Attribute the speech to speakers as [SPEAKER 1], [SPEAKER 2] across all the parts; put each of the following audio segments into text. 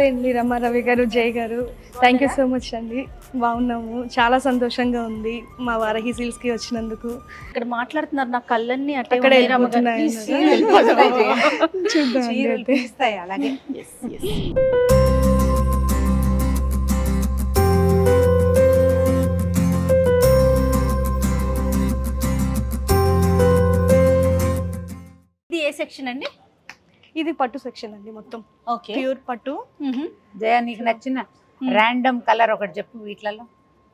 [SPEAKER 1] నమస్తే అండి రమారవి గారు, జయ్ గారు. థ్యాంక్ యూ సో మచ్ అండి. బాగున్నాము, చాలా సంతోషంగా ఉంది మా వారాహి సిల్క్స్కి వచ్చినందుకు.
[SPEAKER 2] ఇక్కడ మాట్లాడుతున్నారు, నా కళ్ళన్నీ అట్టే
[SPEAKER 1] అక్కడ
[SPEAKER 2] ఉన్నాయి రమ్మగారు.
[SPEAKER 1] చూద్దాం
[SPEAKER 3] అలాగే
[SPEAKER 2] ఇది ఏ సెక్షన్ అండి?
[SPEAKER 1] ఇది పట్టు సెక్షన్ అండి, మొత్తం
[SPEAKER 2] ఓకే.
[SPEAKER 1] ప్యూర్ పట్టు.
[SPEAKER 3] జయ, నీకు నచ్చిన ర్యాండమ్ కలర్ ఒకటి చెప్పు వీటిలలో.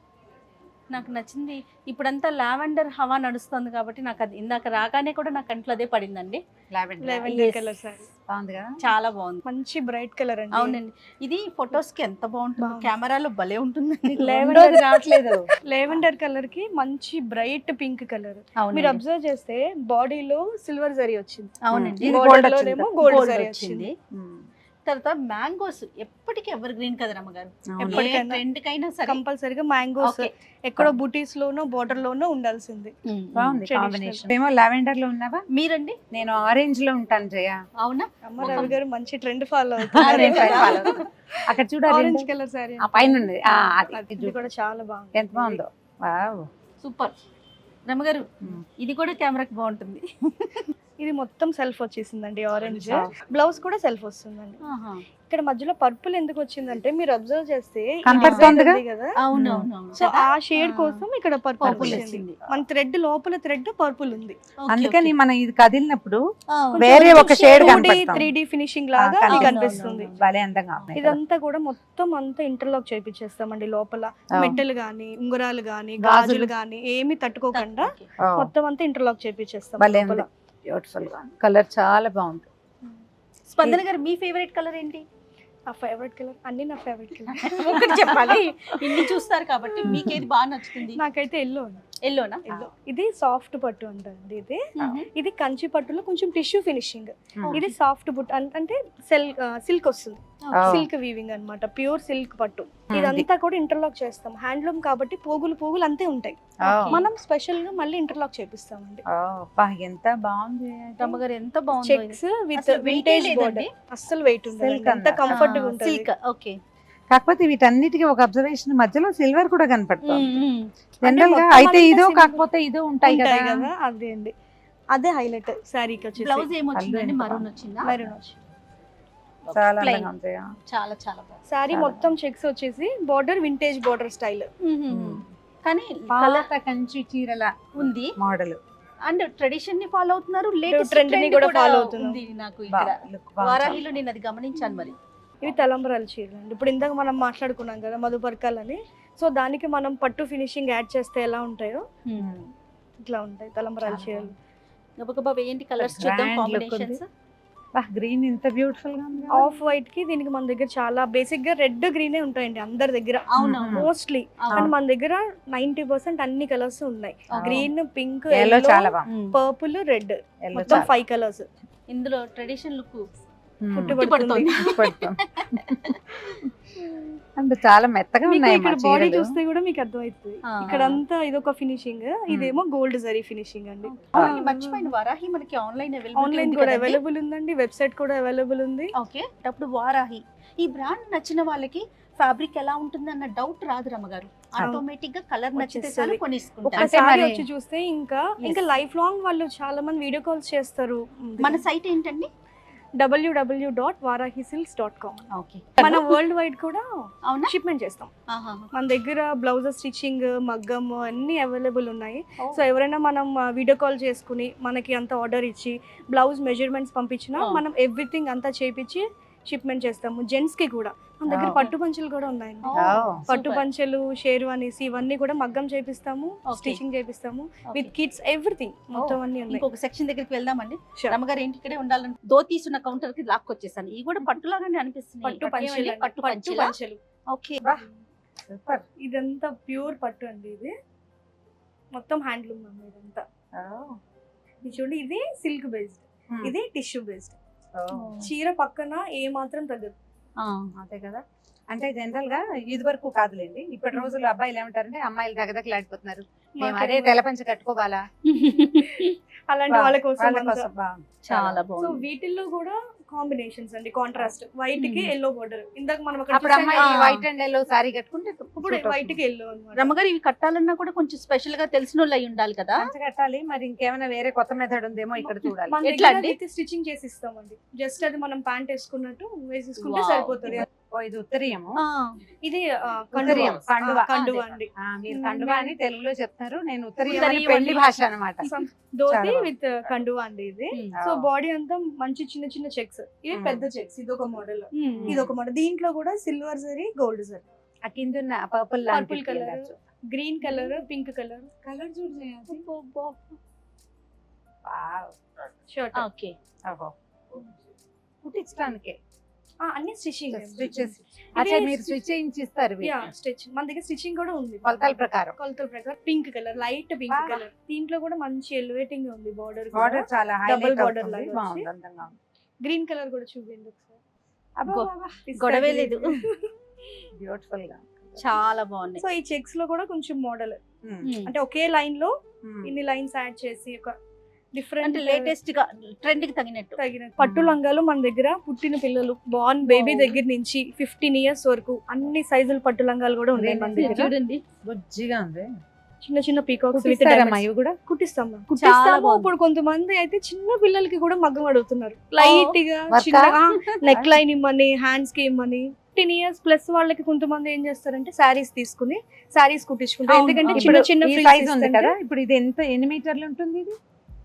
[SPEAKER 2] నాకు నచ్చింది ఇప్పుడంతా లావెండర్ హవా నడుస్తుంది కాబట్టి నాకు అది ఇందాక రాగానే కూడా నా కంట్లో అదే పడిందండి.
[SPEAKER 1] లెవెండర్ కలర్ సారీ
[SPEAKER 3] బాగుంది కదా,
[SPEAKER 2] చాలా బాగుంది,
[SPEAKER 1] మంచి బ్రైట్ కలర్ అండి.
[SPEAKER 2] అవునండి. ఇది ఫొటోస్ కి ఎంత బాగుంటుంది, కెమెరాలో భలే ఉంటుందండి.
[SPEAKER 1] లెవెండర్
[SPEAKER 3] రావట్లేదు.
[SPEAKER 1] లెవెండర్ కలర్ కి మంచి బ్రైట్ పింక్ కలర్.
[SPEAKER 2] అవునండి.
[SPEAKER 1] మీరు అబ్జర్వ్ చేస్తే బాడీలో సిల్వర్ జరీ వచ్చింది,
[SPEAKER 2] అవునండి,
[SPEAKER 3] ఇది
[SPEAKER 1] Border
[SPEAKER 3] gold
[SPEAKER 1] లోనేమో
[SPEAKER 3] వచ్చింది.
[SPEAKER 1] గోల్డ్
[SPEAKER 2] Gold
[SPEAKER 1] జరీ
[SPEAKER 2] వచ్చింది.
[SPEAKER 1] వచ్చింది.
[SPEAKER 2] తర్వాత మ్యాంగోస్ ఎప్పటికీ ఎవర్ గ్రీన్ కదా రమ్మగారు,
[SPEAKER 1] ఎప్పటికైనా.
[SPEAKER 2] ట్రెండ్ కైనా సరే
[SPEAKER 1] కంపల్సరీగా మ్యాంగోస్
[SPEAKER 2] Okay.
[SPEAKER 1] ఎక్కడో బుటీస్ లోనో బోర్డర్ లోనో ఉండాల్సింది.
[SPEAKER 3] బాగుంది
[SPEAKER 1] Traditional.
[SPEAKER 3] కాంబినేషన్. ఏమో లావెండర్ లో ఉన్నావా?
[SPEAKER 2] మీరండి?
[SPEAKER 3] నేను ఆరెంజ్ లో ఉంటాను జయ.
[SPEAKER 2] అవునా?
[SPEAKER 1] అమ్మ రవి గారు మంచి ట్రెండ్ ఫాలో
[SPEAKER 3] అదే పైన
[SPEAKER 1] అవుతుంది.
[SPEAKER 3] follow. అక్కడ చూడాలి,
[SPEAKER 1] ఆరెంజ్ కలర్ సారీ
[SPEAKER 3] ఆ పైన ఉంది. అది
[SPEAKER 1] ఇది కూడా చాలా బాగుంది.
[SPEAKER 3] ఎంత బాగుందో. వావ్.
[SPEAKER 2] సూపర్ రమ్మగారు, ఇది కూడా కెమెరాకి బాగుంటుంది.
[SPEAKER 1] ఇది మొత్తం సెల్ఫ్ వచ్చేసిందండి, ఆరెంజ్.
[SPEAKER 3] Soft.
[SPEAKER 1] బ్లౌజ్ కూడా సెల్ఫ్ వస్తుందండి. ఇక్కడ మధ్యలో పర్పుల్ ఎందుకు వచ్చిందంటే మీరు అబ్జర్వ్ చేస్తే ఈ
[SPEAKER 3] కనపడుతోందిగా?
[SPEAKER 1] design ఉంది కదా,
[SPEAKER 2] అవునవును.
[SPEAKER 1] సో ఆ షేడ్ కోసం ఇక్కడ పర్పుల్
[SPEAKER 2] Purple
[SPEAKER 1] వచ్చింది.
[SPEAKER 2] వచ్చింది.
[SPEAKER 1] మన థ్రెడ్ లోపల థ్రెడ్ పర్పుల్ ఉంది.
[SPEAKER 3] అందుకని మనం ఇది కదిలినప్పుడు
[SPEAKER 1] కొంచెం
[SPEAKER 3] వేరే ఒక షేడ్
[SPEAKER 1] 2D,
[SPEAKER 3] కనపడుతుంది.
[SPEAKER 1] 3D ఫినిషింగ్ లాగా
[SPEAKER 3] కనిపిస్తుంది.
[SPEAKER 1] ఇది కనిపిస్తుంది.
[SPEAKER 3] భలే అందంగా ఉన్నాయి.
[SPEAKER 1] ఇదంతా కూడా మొత్తం అంతా ఇంటర్లాక్ చేపించేస్తామండి. లోపల
[SPEAKER 3] Oh.
[SPEAKER 1] మెట్టలు గానీ, ఉంగరాలు గానీ,
[SPEAKER 3] గాజులు.
[SPEAKER 1] గాజులు గానీ ఏమి తట్టుకోకుండా
[SPEAKER 3] Oh.
[SPEAKER 1] మొత్తం అంతా ఇంటర్లాక్ చేపించేస్తాం
[SPEAKER 3] భలే
[SPEAKER 1] లోపల.
[SPEAKER 3] ఉంది. బ్యూటిఫుల్ గా కలర్ చాలా బాగుంది.
[SPEAKER 2] స్పందన గారు, మీ ఫేవరెట్ కలర్ ఏంటి?
[SPEAKER 1] ఆ ఫేవరెట్ కలర్ అన్ని నా ఫేవరెట్ కలర్.
[SPEAKER 2] ఒకటి చెప్పాలి, ఇన్ని చూస్తారు కాబట్టి మీకు ఏది బాగా నచ్చుతుంది?
[SPEAKER 1] నాకైతే ఎల్లో
[SPEAKER 2] ఎల్లోనా?
[SPEAKER 1] ఎల్లో. ఇది సాఫ్ట్ పట్టు అంటండి. ఇది కంచి పట్టులో కొంచెం టిష్యూ ఫినిషింగ్. ఇది సాఫ్ట్ పట్టు అంటే సిల్క్ వస్తుంది, సిల్క్ వీవింగ్ అన్నమాట, ప్యూర్ సిల్క్ పట్టు. ఇదంతా కూడా ఇంటర్లాక్ చేస్తాం. హ్యాండ్లూమ్ కాబట్టి పోగులు అంతే ఉంటాయి. మనం స్పెషల్ గా మళ్ళీ ఇంటర్లాక్ చేపిస్తామండి.
[SPEAKER 3] ఎంత బాగుంది.
[SPEAKER 2] రమ్మగారు ఎంత బాగుంది.
[SPEAKER 1] చెక్స్ విత్
[SPEAKER 2] అసలు weight
[SPEAKER 1] వింటేజ్
[SPEAKER 2] లేదండి.
[SPEAKER 1] బోర్డర్, అస్సలు వెయిట్ ఉండదు,
[SPEAKER 3] Silk
[SPEAKER 1] ఎంత
[SPEAKER 3] అన్న.
[SPEAKER 1] కంఫర్ట్ గా ఉంటుంది.
[SPEAKER 2] సిల్క్. ఓకే.
[SPEAKER 3] కాకపోతే వీటన్నిటికీ ఒక అబ్జర్వేషన్, మధ్యలో సిల్వర్ కూడా కనపడుతుంది.
[SPEAKER 1] అంటే
[SPEAKER 3] జనరల్ గా
[SPEAKER 1] మొత్తం
[SPEAKER 3] అయితే
[SPEAKER 1] అంతా
[SPEAKER 3] ఇదో
[SPEAKER 1] silver
[SPEAKER 3] కాకపోతే ఇదో ఉంటాయి
[SPEAKER 1] ఉంటాయి
[SPEAKER 3] కదా.
[SPEAKER 1] కదా, అదే అండి, అదే హైలైట్ శారీకి వచ్చేసి.
[SPEAKER 2] బ్లౌజ్ ఏమొచ్చిందండి?
[SPEAKER 3] ఎంత
[SPEAKER 2] మరూన్ వచ్చిందా?
[SPEAKER 1] మెరూన్ వచ్చి
[SPEAKER 3] చాలా
[SPEAKER 2] Plain.
[SPEAKER 3] అందంగా ఉంది.
[SPEAKER 2] చాలా చాలా బాగుంది.
[SPEAKER 1] శారీ
[SPEAKER 3] చాలా
[SPEAKER 1] మొత్తం చెక్స్ వచ్చేసి బోర్డర్ వింటేజ్ బోర్డర్ స్టైల్.
[SPEAKER 2] కానీ
[SPEAKER 3] పాత కంచి చీరల
[SPEAKER 2] ఉంది
[SPEAKER 3] మోడల్.
[SPEAKER 2] అండ్ ట్రెడిషన్ ని ఫాలో అవుతున్నారు, లేటెస్ట్
[SPEAKER 1] Trend ని కూడా follow అవుతున్నాం.
[SPEAKER 2] ఉంది. నాకు ఇక్కడ వారాహిలో నేను అది గమనించాను. మరి
[SPEAKER 1] ఇవి తలంబరాల చీరలు అండి. ఇప్పుడు ఇందాక మనం మాట్లాడుకున్నాం కదా మధుపర్కాలని, సో దానికి మనం పట్టు ఫినిషింగ్ యాడ్ చేస్తే ఎలా ఉంటాయో ఇట్లా ఉంటాయి తలంబరాల
[SPEAKER 2] చాలా
[SPEAKER 1] చీరలు.
[SPEAKER 2] గబగబా వేయండి, కలర్స్ చూద్దాం,
[SPEAKER 3] Grand look
[SPEAKER 2] కాంబినేషన్స్.
[SPEAKER 3] గ్రీన్ ఇంత బ్యూటిఫుల్ గా ఉంది.
[SPEAKER 1] ఆఫ్ వైట్ కి దీనికి మన దగ్గర చాలా బేసిక్ గా రెడ్ గ్రీనే ఉంటాయండి అందరి దగ్గర
[SPEAKER 2] అవునవును.
[SPEAKER 1] మోస్ట్లీ.
[SPEAKER 2] అవును.
[SPEAKER 1] కానీ మన దగ్గర 90% అన్ని కలర్స్ ఉన్నాయి.
[SPEAKER 2] అవును.
[SPEAKER 1] గ్రీన్, పింక్,
[SPEAKER 3] ఎల్లో చాలా బాగుంది.
[SPEAKER 1] పర్పుల్, రెడ్,
[SPEAKER 3] ఎల్లో
[SPEAKER 1] మొత్తం 5 కలర్స్.
[SPEAKER 2] ఇందులో ట్రెడిషన్ లుక్
[SPEAKER 1] పుట్టుబడుతుంది.
[SPEAKER 3] అంటే చాలా మెత్తగా
[SPEAKER 1] మీకు
[SPEAKER 3] ఉన్నాయి
[SPEAKER 1] ఇక్కడ బాడీ చూస్తే కూడా మీకు అర్థమవుతుంది.
[SPEAKER 2] ఆ.
[SPEAKER 1] ఇక్కడ అంతా ఇదొక ఫినిషింగ్, ఇదేమో గోల్డ్ జరీ ఫినిషింగ్ అండి.
[SPEAKER 2] మర్చిపోయిన వారాహి మనకి ఆన్లైన్
[SPEAKER 1] ఆన్లైన్ కూడా అవైలబుల్ ఉందండి, వెబ్సైట్ కూడా అవైలబుల్ ఉంది.
[SPEAKER 2] ఓకే. అప్పుడు వారాహి ఈ బ్రాండ్ నచ్చిన వాళ్ళకి ఫ్యాబ్రిక్ ఎలా ఉంటుంది అన్న డౌట్ రాదు రమ్మగారు. ఆటోమేటిక్ గా కలర్ నచ్చితే చాలు
[SPEAKER 1] వచ్చేస్తది.
[SPEAKER 2] కొనేసుకుంటారు.
[SPEAKER 1] ఒకసారి
[SPEAKER 3] మరి-
[SPEAKER 1] వచ్చి చూస్తే ఇంకా లైఫ్ లాంగ్ వాళ్ళు చాలా మంది వీడియో కాల్స్ చేస్తారు.
[SPEAKER 2] మన సైట్ ఏంటండి?
[SPEAKER 1] www.varahisilks.com.
[SPEAKER 2] ఓకే.
[SPEAKER 1] మన వరల్డ్ వైడ్ కూడా
[SPEAKER 2] అవునా?
[SPEAKER 1] షిప్మెంట్ చేస్తాం. మన దగ్గర బ్లౌజెస్ స్టిచ్చింగ్, మగ్గం అన్ని అవైలబుల్ ఉన్నాయి. సో ఎవరైనా మనం వీడియో కాల్ చేసుకుని మనకి అంత ఆర్డర్ ఇచ్చి బ్లౌజ్ మెజర్మెంట్స్ పంపించినా మనం ఎవ్రీథింగ్ అంతా చేపించి షిప్మెంట్ చేస్తాము. జెంట్స్ కి కూడా మన దగ్గర పట్టు పంచలు కూడా ఉన్నాయండి. పట్టు పంచలు, షేర్వానీస్ ఇవన్నీ కూడా మగ్గం చేపిస్తాము,
[SPEAKER 2] Okay.
[SPEAKER 1] స్టిచింగ్ చేపిస్తాము, విత్ కిడ్స్ ఎవ్రీథింగ్ మొత్తం అన్ని ఉన్నాయి.
[SPEAKER 2] ఇంకొక సెక్షన్ దగ్గరికి వెళ్దామండి.
[SPEAKER 1] Sure.
[SPEAKER 2] రమ్మగారు ఏంటి ఇక్కడే ఉండాలని ధోతీస్ ఉన్న కౌంటర్ కి లాక్కొచ్చేసాను. ఇవి కూడా పట్టులాగానే అనిపిస్తుంది.
[SPEAKER 1] పట్టు పంచలు,
[SPEAKER 2] పట్టు పంచలు.
[SPEAKER 1] పంచలు.
[SPEAKER 2] ఓకే.
[SPEAKER 3] సూపర్.
[SPEAKER 1] ఇదంతా ప్యూర్ పట్టు అండి. ఇది మొత్తం హ్యాండ్లూమ్ అండి. ఇదంతా ఇది చూడండి, ఇది సిల్క్ బేస్డ్, ఇది టిష్యూ బేస్డ్. చీర పక్కన ఏ మాత్రం తగ్గదు.
[SPEAKER 3] అదే కదా. అంటే జనరల్ గా ఇది వరకు కాదులేండి, ఇప్పటి రోజుల్లో అబ్బాయిలు ఏమంటారంటే అమ్మాయిలు దగదగలాడిపోతున్నారు, మేము అదే తెలపంచ కట్టుకోవాలా,
[SPEAKER 1] అలాంటి వాళ్ళ కోసం
[SPEAKER 3] వాళ్ళ
[SPEAKER 1] అంతా.
[SPEAKER 3] కోసం బాగుంది.
[SPEAKER 2] చాలా
[SPEAKER 1] సో
[SPEAKER 2] బాగుంది.
[SPEAKER 1] వీటిల్లో కూడా కాంబినేషన్స్ అండి, కాంట్రాస్ట్ వైట్ కి ఎల్లో బోర్డర్. ఇందాక మనం అక్కడ
[SPEAKER 3] అప్పుడు అమ్మాయి
[SPEAKER 2] ఆ.
[SPEAKER 3] వైట్ అండ్ ఎల్లో సారీ కట్టుకుంటే
[SPEAKER 1] ఇప్పుడు వైట్ కి ఎల్లో అన్నమాట.
[SPEAKER 2] రమ్మగారు ఇవి కట్టాలన్నా కూడా కొంచెం స్పెషల్ గా తెలిసిన వాళ్ళు అయి ఉండాలి కదా.
[SPEAKER 3] పంచ కట్టాలి, మరి ఇంకేమైనా వేరే కొత్త మెథడ్ ఉందేమో ఇక్కడ చూడాలి.
[SPEAKER 1] మన
[SPEAKER 2] ఎట్లా
[SPEAKER 1] దగ్గర
[SPEAKER 2] అండి?
[SPEAKER 1] అయితే స్టిచ్చింగ్ చేసి ఇస్తామండి. జస్ట్ అది మనం ప్యాంట్ వేసుకున్నట్టు వేసేసుకుంటే
[SPEAKER 2] Wow.
[SPEAKER 1] సరిపోతుంది.
[SPEAKER 3] ఓ, ఇది ఉత్తరీయము,
[SPEAKER 1] ఇది
[SPEAKER 3] ఉత్తరీయం, కండువా.
[SPEAKER 1] కండువా అండి.
[SPEAKER 3] మీరు కండువా అని తెలుగులో చెప్తారు, నేను ఉత్తరీయం అని
[SPEAKER 2] ఉత్తరీయం
[SPEAKER 3] పెళ్లి
[SPEAKER 2] అని
[SPEAKER 3] భాష అన్నమాట.
[SPEAKER 1] ధోతి
[SPEAKER 3] చాలా
[SPEAKER 1] విత్ కండువా అండి ఇది. సో బాడీ అంతా మంచి చిన్న చిన్న చెక్స్, ఇవి పెద్ద చెక్స్. ఇది ఒక మోడల్, ఇది ఒక మోడల్. దీంట్లో కూడా సిల్వర్ జరీ, గోల్డ్ జరీ,
[SPEAKER 3] ఆ కింద purple
[SPEAKER 1] purple colour, green colour, pink colour. Colour చూడు షర్ట్.
[SPEAKER 2] ఓకే.
[SPEAKER 3] కుట్టించడానికి
[SPEAKER 1] అన్ని స్టిచ్చింగ్.
[SPEAKER 3] స్టిచెస్. అచ్చా, మీరు స్టిచ్ చేయించి ఇస్తారు
[SPEAKER 1] స్టిచ్. మన దగ్గర స్టిచ్చింగ్ కూడా ఉంది
[SPEAKER 3] కొలతల ప్రకారం.
[SPEAKER 1] కొలతల ప్రకారం. Pink colour, light pink
[SPEAKER 3] Ah.
[SPEAKER 1] Colour. దీంట్లో కూడా మంచి ఎలివేటింగ్ ఉంది బార్డర్.
[SPEAKER 3] బార్డర్ చాలా
[SPEAKER 1] Double
[SPEAKER 3] హైలైట్
[SPEAKER 1] border
[SPEAKER 3] అవుతుంది,
[SPEAKER 1] లాగా
[SPEAKER 3] బాగుంది,
[SPEAKER 1] వచ్చి.
[SPEAKER 3] అందంగా ఉంది.
[SPEAKER 1] గ్రీన్ కలర్ కూడా చూడండి ఒకసారి.
[SPEAKER 2] గొడవే లేదు.
[SPEAKER 3] బ్యూటిఫుల్ గా.
[SPEAKER 2] చాలా బాగున్నాయి.
[SPEAKER 1] సో ఈ చెక్స్ లో కూడా కొంచెం మోడల్,
[SPEAKER 3] ఉమ్,
[SPEAKER 1] అంటే ఒకే లైన్ లో
[SPEAKER 3] ఉమ్.
[SPEAKER 1] ఇన్ని లైన్స్ యాడ్ చేసి ఒక డిఫరెంట్
[SPEAKER 2] అంటే లేటెస్ట్ గా ట్రెండ్ కి తగినట్టు.
[SPEAKER 1] తగిన పట్టు లంగాలు మన దగ్గర పుట్టిన పిల్లలు బార్న్ బేబీ దగ్గర నుంచి 15 years వరకు అన్ని సైజుల పట్టు లంగాలు కూడా ఉన్నాయి మన దగ్గర.
[SPEAKER 2] చూడండి
[SPEAKER 3] బుజ్జిగా ఉంది.
[SPEAKER 1] చిన్న చిన్న పీకాక్స్ విత్
[SPEAKER 3] కుట్టిస్తారమ్మా ఇవి కూడా?
[SPEAKER 1] కుట్టిస్తాం
[SPEAKER 2] చాలా బాగుంది.
[SPEAKER 1] ఇప్పుడు కొంతమంది అయితే చిన్న పిల్లలకి కూడా మగ్గం అడుగుతున్నారు. లైట్ గా
[SPEAKER 3] వర్కా?
[SPEAKER 1] చిన్న నెక్ లైన్ ఇమ్మని, హ్యాండ్స్ కి ఇమ్మని. 15 years ప్లస్ వాళ్ళకి కొంతమంది ఏం చేస్తారంటే శారీస్ తీసుకుని శారీస్ కుట్టించుకుంటారు.
[SPEAKER 2] అవును,
[SPEAKER 1] ఎందుకంటే
[SPEAKER 2] అవును.
[SPEAKER 1] చిన్న
[SPEAKER 3] ఇప్పుడు
[SPEAKER 1] చిన్న
[SPEAKER 3] ఈ
[SPEAKER 1] frills
[SPEAKER 3] size ఉంది
[SPEAKER 1] ఇస్తుంటే
[SPEAKER 3] కదా, ఇప్పుడు ఇది ఎన్ని మీటర్లు ఉంటుంది? ఇది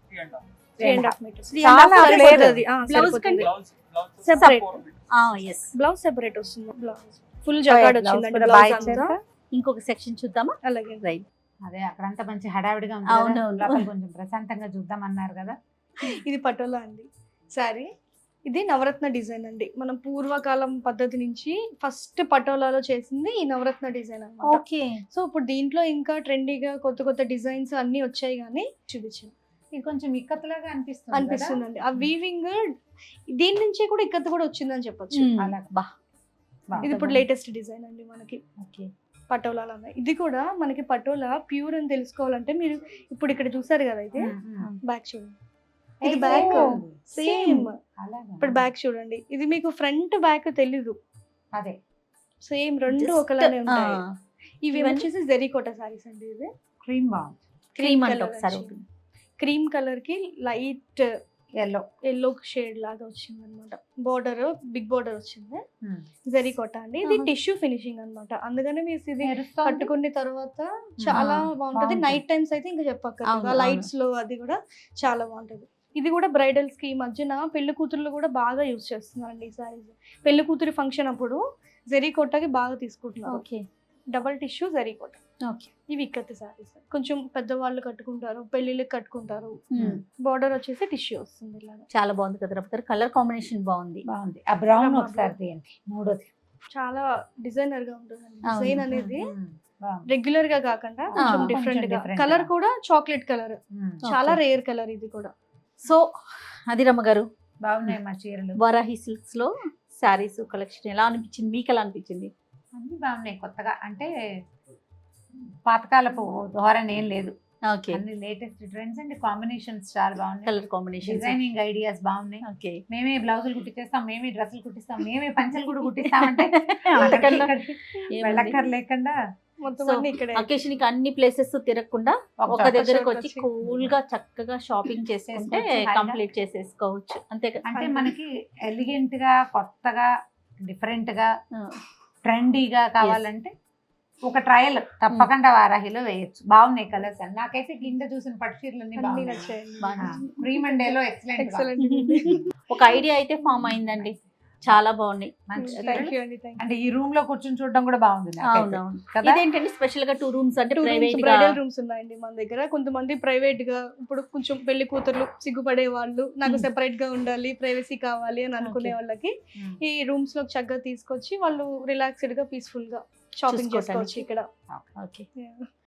[SPEAKER 1] 3.5 meters.
[SPEAKER 3] చాలా
[SPEAKER 1] సరిపోతుంది.
[SPEAKER 2] Blouse కండి?
[SPEAKER 1] Separate
[SPEAKER 2] yes.
[SPEAKER 1] బ్లౌజ్ సెపరేట్ వస్తుంది. బ్లౌజ్ ఫుల్ జగాడ్ వచ్చిందండి
[SPEAKER 3] కూడా
[SPEAKER 1] బ్లౌజ్
[SPEAKER 3] బాగా
[SPEAKER 1] అంతా.
[SPEAKER 3] ఇచ్చారా?
[SPEAKER 2] ఇంకొక సెక్షన్ చూద్దామా?
[SPEAKER 1] అలాగే
[SPEAKER 2] రైట్.
[SPEAKER 3] అదే అక్కడంతా మంచి హడావిడిగా ఉంది
[SPEAKER 2] అవును,
[SPEAKER 3] కదా,
[SPEAKER 2] అవును.
[SPEAKER 3] లోపల కొంచెం ప్రశాంతంగా చూద్దాం అన్నారు కదా.
[SPEAKER 1] ఇది పటోలా అండి సారీ. ఇది నవరత్న డిజైన్ అండి. మనం పూర్వకాలం పద్ధతి నుంచి ఫస్ట్ పటోలాలో చేసింది ఈ నవరత్న డిజైన్ అన్నమాట.
[SPEAKER 2] ఓకే.
[SPEAKER 1] సో ఇప్పుడు దీంట్లో ఇంకా ట్రెండీగా కొత్త కొత్త డిజైన్స్ అన్ని వచ్చాయి, కానీ చూపించాను
[SPEAKER 3] ఇది కొంచెం ఇక్కత్లాగా అనిపిస్తుంది
[SPEAKER 1] అనిపిస్తుందండి. ఆ వీవింగ్ దీని నుంచే కూడా ఇక్కత కూడా వచ్చిందని చెప్పొచ్చు.
[SPEAKER 2] బా.
[SPEAKER 1] ఇది ఇప్పుడు లేటెస్ట్ డిజైన్ అండి మనకి
[SPEAKER 2] ఓకే.
[SPEAKER 1] పటోలాలు ఉన్నాయి. ఇది కూడా మనకి పటోలా ప్యూర్ అని తెలుసుకోవాలంటే మీరు ఇప్పుడు ఇక్కడ చూసారు కదా, అయితే బ్యాక్ చూడండి. ఇది బ్యాక్ సేమ్. ఇప్పుడు బ్యాక్ చూడండి, ఇది మీకు ఫ్రంట్ బ్యాక్ తెలీదు,
[SPEAKER 3] అదే
[SPEAKER 1] సేమ్ రెండు ఒకలానే ఉంటాయి. ఇవి వచ్చేసి జెరీకోట సారీస్ అండి. ఇది
[SPEAKER 3] క్రీమ్ బాగుంది.
[SPEAKER 2] క్రీమ్ అంటే ఒకసారి
[SPEAKER 1] క్రీమ్ కలర్ కి లైట్
[SPEAKER 3] ఎల్లో
[SPEAKER 1] ఎల్లో షేడ్ లాగా వచ్చింది అనమాట. బోర్డర్ బిగ్ బోర్డర్ వచ్చింది. జెరీకోట అండి. ఇది టిష్యూ ఫినిషింగ్ అన్నమాట. అందుకనే మీరు ఇది కట్టుకున్న తర్వాత చాలా బాగుంటది. నైట్ టైమ్స్ అయితే ఇంకా చెప్పక్కర్లేదు, లైట్స్ లో అది కూడా చాలా బాగుంటది. ఇది కూడా బ్రైడల్స్ కి ఈ మధ్యన పెళ్లి కూతుర్లు కూడా బాగా యూజ్ చేస్తున్నారండి ఈ సారీస్. పెళ్లి కూతురి ఫంక్షన్ అప్పుడు జెరీకోటకి బాగా తీసుకుంటున్నారు.
[SPEAKER 2] ఓకే.
[SPEAKER 1] డబల్ టిష్యూ జెరీకోట.
[SPEAKER 2] ఓకే.
[SPEAKER 1] ఇవి ఇక్కత్తి సారీస్ కొంచెం పెద్దవాళ్ళు కట్టుకుంటారు, పెళ్లిళ్ళకి కట్టుకుంటారు. బోర్డర్ వచ్చేసి టిష్యూ వస్తుంది ఇలాగా.
[SPEAKER 2] చాలా బాగుంది కదా రఫ్తార్. కలర్ కాంబినేషన్ బాగుంది.
[SPEAKER 3] బాగుంది. ఆ బ్రౌన్ ఒకసారి తీయండి, మూడోది.
[SPEAKER 1] చాలా డిజైనర్ గా ఉంటుంది డిజైన్ అనేది.
[SPEAKER 3] బాగుంది.
[SPEAKER 1] రెగ్యులర్ గా కాకుండా కొంచెం
[SPEAKER 3] కొంచెం
[SPEAKER 1] డిఫరెంట్ గా.
[SPEAKER 3] different
[SPEAKER 1] కలర్
[SPEAKER 3] గా.
[SPEAKER 1] కూడా చాక్లెట్ కలర్, చాలా
[SPEAKER 2] Okay.
[SPEAKER 1] రేర్ కలర్ ఇది కూడా.
[SPEAKER 2] సో అది రమ్మ గారు,
[SPEAKER 3] బాగున్నాయి మా చీరలు.
[SPEAKER 2] వరాహి సిల్క్స్ లో శారీస్ కలెక్షన్ ఎలా అనిపించింది, మీకు ఎలా అనిపించింది?
[SPEAKER 3] అన్ని బాగున్నాయి కొత్తగా, అంటే పాతకాలపు ధోరణి ఏం లేదు.
[SPEAKER 2] ఓకే.
[SPEAKER 3] అన్ని లేటెస్ట్ ట్రెండ్స్ అండ్ కాంబినేషన్స్ చాలా బాగున్నాయి.
[SPEAKER 2] Colour combination.
[SPEAKER 3] డిజైనింగ్ ఐడియాస్ బాగున్నాయి.
[SPEAKER 2] ఓకే.
[SPEAKER 3] మేమే బ్లౌజులు కుట్టించేస్తాం, మేమే డ్రెస్సులు కుట్టిస్తాం, మేమే పంచలు కూడా కుట్టిస్తామంటే
[SPEAKER 2] అంతకన్నా
[SPEAKER 3] వెళ్ళక్కర్ లేకుండా
[SPEAKER 1] మొత్తం
[SPEAKER 2] So,
[SPEAKER 1] అన్ని ఇక్కడే.
[SPEAKER 2] అకేషన్ కి అన్ని ప్లేసెస్ తిరగకుండా ఒక దగ్గరకు వచ్చి
[SPEAKER 1] వచ్చి
[SPEAKER 2] కూల్ గా చక్కగా షాపింగ్ చేసుకుంటే
[SPEAKER 3] చేసుకోవచ్చు,
[SPEAKER 2] కంప్లీట్ చేసేసుకోవచ్చు. అంతే కదా.
[SPEAKER 3] అంటే మనకి ఎలిగెంట్ గా, కొత్తగా, డిఫరెంట్ గా,
[SPEAKER 2] ఆ,
[SPEAKER 3] ట్రెండీగా కావాలంటే ఒక ట్రయల్ తప్పకుండా వారాహిలో వేయొచ్చు. బాగున్నాయి కలర్స్ అన్ని. నాకైతే కింద చూసిన పట్టు చీరలు అన్ని
[SPEAKER 1] అన్ని
[SPEAKER 3] బాగున్నాయి.
[SPEAKER 1] నచ్చాయండి.
[SPEAKER 2] బాగా.
[SPEAKER 3] Cream and yellow excellent.
[SPEAKER 1] Excellent.
[SPEAKER 2] ఒక ఐడియా అయితే ఫామ్ అయిందండి. చాలా బాగున్నాయి.
[SPEAKER 1] థ్యాంక్ యూ అండి. థ్యాంక్
[SPEAKER 3] అంటే ఈ రూమ్ లో కూర్చొని చూడడం కూడా బాగుంది నాకైతే.
[SPEAKER 2] అవునవును.
[SPEAKER 3] కదా?
[SPEAKER 2] ఇదేంటంటే స్పెషల్ గా 2 rooms అంటే
[SPEAKER 1] యూ.
[SPEAKER 2] ప్రైవేట్ గా.
[SPEAKER 1] బ్రైడల్ రూమ్స్ ఉన్నాయండి మన దగ్గర. కొంతమంది ప్రైవేట్ గా, ఇప్పుడు కొంచెం పెళ్లి కూతుర్లు సిగ్గుపడే వాళ్ళు, నాకు సెపరేట్ గా ఉండాలి, ప్రైవసీ కావాలి అని అనుకునే వాళ్ళకి
[SPEAKER 3] Hmm.
[SPEAKER 1] ఈ రూమ్స్ లో చక్కగా తీసుకొచ్చి వాళ్ళు రిలాక్స్డ్ గా పీస్ఫుల్ గా షాపింగ్
[SPEAKER 2] చూసుకోవటానికి.
[SPEAKER 1] చేసుకోవచ్చు ఇక్కడ.
[SPEAKER 2] ఓకే.
[SPEAKER 1] Yeah.